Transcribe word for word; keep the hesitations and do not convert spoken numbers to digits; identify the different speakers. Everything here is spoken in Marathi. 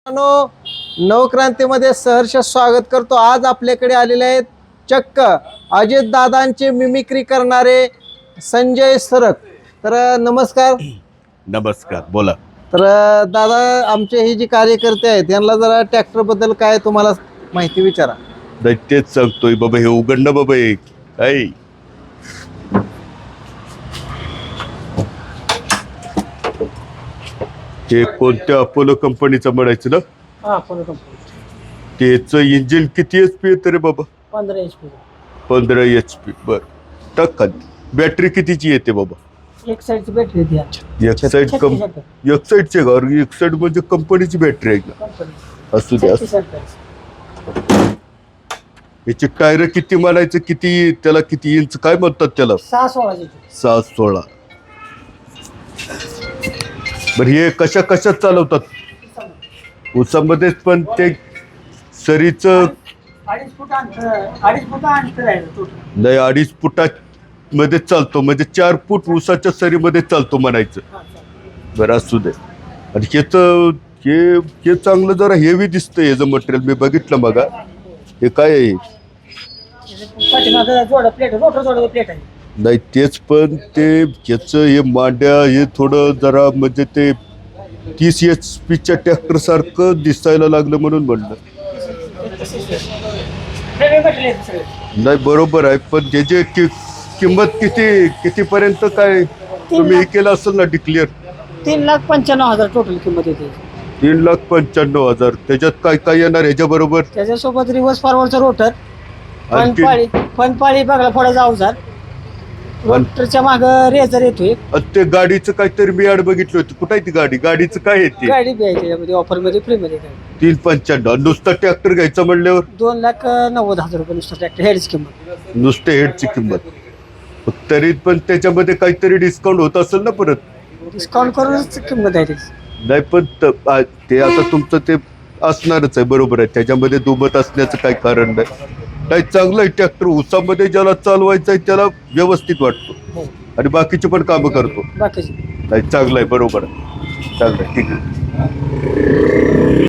Speaker 1: मित्रांनो, नवक्रांतीमध्ये सहर्ष स्वागत करतो। आज आपल्याकडे आलेले आहेत चक्क अजित दादांचे मिमिक्री करणारे संजय सरक। तर नमस्कार।
Speaker 2: नमस्कार, बोला।
Speaker 1: तर दादा, आमचे हे जे कार्यकर्ते आहेत यांना जरा ट्रॅक्टर बद्दल काय तुम्हाला माहिती विचारा।
Speaker 2: नाही तेच सांगतोय बाबा, हे उघडणं बाबा एक काय ते कोणत्या अपोलो कंपनीचं म्हणायचं ना?
Speaker 3: हा, अपोलो कंपनी।
Speaker 2: त्याचं इंजिन किती एच पी येतं रे बाबा?
Speaker 3: पंधरा एच पी।
Speaker 2: पंधरा एच पी। बर, टाक खाली। बॅटरी कितीची येते बाबा?
Speaker 3: एक साईडची बॅटरी द्या।
Speaker 2: एक साईड कम एक साईडचे का? एक साईड म्हणजे कंपनीची बॅटरी आहे का?
Speaker 3: कंपनी
Speaker 2: असू द्या। याची टायर किती म्हणायचं? किती त्याला किती इंच काय म्हणतात त्याला?
Speaker 3: सहा सोळाची।
Speaker 2: सहा सोळा। बर, हे कशा कशात चालवतात? उसामध्येच, पण ते सरीच
Speaker 3: अडीच फूट अंतर अडीच फूट अंतर आहे टोटल।
Speaker 2: नाही, अडीच फुटात मध्ये चालतो म्हणजे चार फूट उसाच्या सरीमध्ये चालतो म्हणायचं। बरं, असू दे। आणि ह्याच हे हे चांगलं जरा हेवी दिसतंय ह्याचं मटेरियल, मी बघितलं मगा। हे काय आहे?
Speaker 3: पाठीमागं जोड प्लेट, रोटर जोड प्लेट आहे।
Speaker 2: नाही तेच, पण ते ह्याचं हे मांड्या हे थोडं जरा म्हणजे ते तीस एच पीच्या ट्रॅक्टर सारखं दिसायला लागलं म्हणून म्हणलं। नाही बरोबर आहे, पण त्याची कि, किंमत किती कितीपर्यंत काय तुम्ही हे केलं असेल ना डिक्लेअर?
Speaker 3: तीन लाख पंच्याण्णव हजार टोटल किंमत येते।
Speaker 2: तीन लाख पंच्याण्णव हजार। त्याच्यात काय काय येणार ह्याच्या बरोबर?
Speaker 3: त्याच्यासोबत रिव्हर्स फॉरवर्डचा रोटर,
Speaker 2: आणखी?
Speaker 3: फनपाळी फनपाळी बघला फोडायचा अवजार, रोटरच्या माग रेझर येतोय।
Speaker 2: ते गाडीचं काहीतरी मी आड बघितलं होतं, कुठे आहे ती गाडी? गाडीचं काय आहे ते?
Speaker 3: गाडी बी आहे त्याच्यामध्ये ऑफर मध्ये, फ्री मध्ये।
Speaker 2: तीन पंच्याण्णव। नुसतं ट्रॅक्टर घ्यायचं म्हणल्यावर
Speaker 3: दोन लाख नव्वद हजार रुपये नुसतं ट्रॅक्टर हेडची किंमत।
Speaker 2: नुसते हेडची किंमत। तरी पण त्याच्यामध्ये काहीतरी डिस्काउंट होत असेल ना परत?
Speaker 3: डिस्काउंट करूनच किंमत आहे त्याची।
Speaker 2: नाही, पण त- आ- ते आता तुमचं ते असणारच आहे, बरोबर आहे। त्याच्यामध्ये दुमत असण्याचं काही कारण नाही। नाही, चांगलं आहे ट्रॅक्टर। उसामध्ये ज्याला चालवायचं आहे त्याला व्यवस्थित वाटतो आणि बाकीचे पण कामं करतो।
Speaker 3: बाकीची
Speaker 2: नाही, चांगलं आहे, बरोबर आहे, चांगलं आहे, ठीक आहे।